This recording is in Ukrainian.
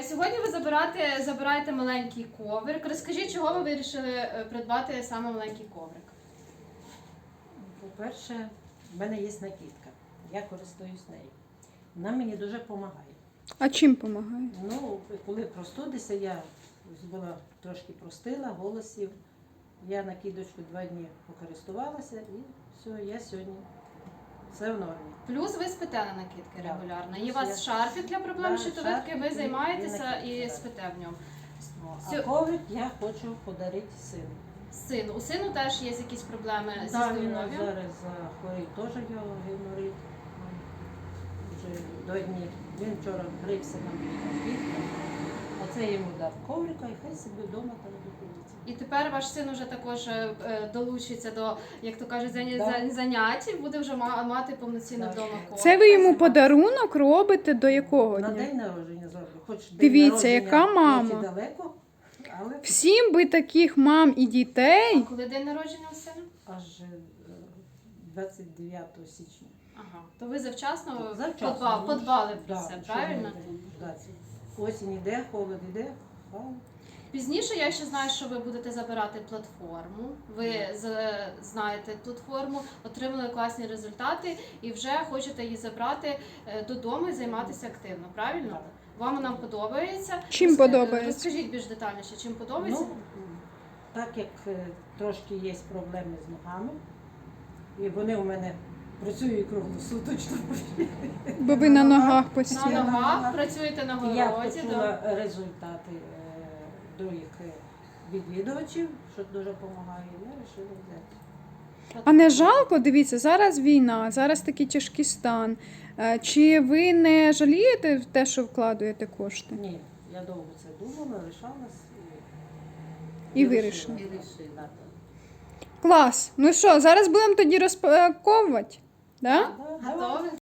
Сьогодні ви забираєте маленький коврик. Розкажіть, чого ви вирішили придбати саме маленький коврик? По-перше, в мене є накидка. Я користуюсь нею. Вона мені дуже допомагає. А чим допомагає? Ну, коли простудися, я була трошки простила, голосів. Я накидочку 2 дні покористувалася і все, я сьогодні все в нормі. Плюс ви спите на накидки Да. регулярно. Плюс Є у вас я- шарфік для проблем Да, щитовидки, ви шарфік і займаєтеся накидки, і да. спите в ньому. А коврик я хочу подарити сину. Сину. У сину теж є якісь проблеми зі Так, він здоров'ям? зараз захворів теж його геморит. Вже 2 дні. Він вчора грився на накидку. А це йому дав коврика і хай собі вдома там знаходиться. І тепер ваш син уже також долучиться до, як то кажуть, Да. занять, буде вже мати повноцінно Так. вдома коврик. Це ви йому Займатися. подарунок робите до якого На дня? день народження зроблю. Хоч день Дивіться, народження яка мама. хоч і далеко, але Всім би таких мам і А дітей. коли день народження у сина? аж 29 січня. Ага. То ви завчасно, Завчасно. подбали про Да, це, що правильно? ми будемо, да. Осінь іде, холод іде. Пізніше я ще знаю, що ви будете забирати платформу. Ви знаєте платформу, отримали класні результати і вже хочете її забрати додому і займатися активно, правильно? Так. Вам вона подобається? Чим подобається? Розкажіть більш детальніше, чим подобається? Ну, так як трошки є проблеми з ногами, і вони у мене працюють круглосуточно. Бо ви на ногах На постійно. ногах, працюєте на І я городі. почула результати других відвідувачів, що дуже допомагає, і я вирішила взяти. А не жалко, дивіться, зараз війна, зараз такий тяжкий стан. Чи ви не жалієте в те, що вкладаєте кошти? Ні, я довго це думала, лишалась І вирішила. І вирішила. Клас. Ну що, зараз будемо тоді розпаковувати? Да? Да, давай. Готові?